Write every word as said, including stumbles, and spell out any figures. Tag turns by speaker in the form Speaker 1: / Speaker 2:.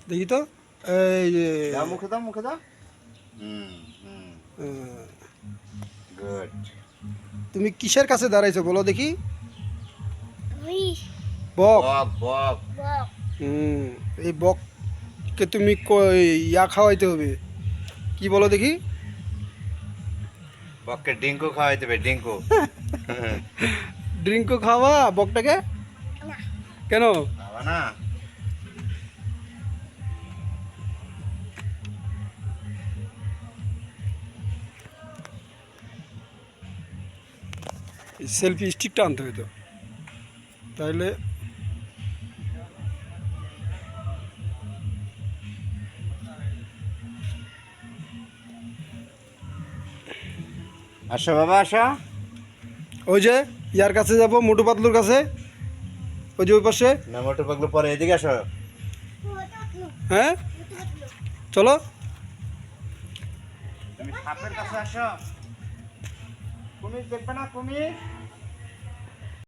Speaker 1: দেখি তো, এই যে
Speaker 2: দাও মুখে দাও মুখে দাও। হুম হুম
Speaker 1: আহ,
Speaker 2: গুড।
Speaker 1: তুমি কিসের কাছে দাঁড়াইছো বলো দেখি?
Speaker 3: ওই
Speaker 1: বক।
Speaker 2: বক বক।
Speaker 3: বক
Speaker 1: হুম, এই বককে তুমি ক- ইয়া খাওয়াইতে হবে, কি বলো দেখি?
Speaker 2: বককে ডিঙ্কু খাওয়াইতে হবে ডিঙ্কু।
Speaker 1: ড্রিঙ্কও খাওয়া বকটাকে?
Speaker 3: না
Speaker 1: কেন?
Speaker 2: খাওয়া না।
Speaker 1: সেলফি স্টিকটা আনতে হইতো তাহলে।
Speaker 2: আসো বাবা আসো।
Speaker 1: ওই যে ইয়ার কাছে যাব, মোটু পাতলুর কাছে, ওই যে ওই পাশে।
Speaker 2: না মোটর পাগলু পরে এদিকে আসো।
Speaker 1: হ্যাঁ, চলো।
Speaker 2: তুমি সাপের কাছে আসো। কুমির দেখবে না কুমির?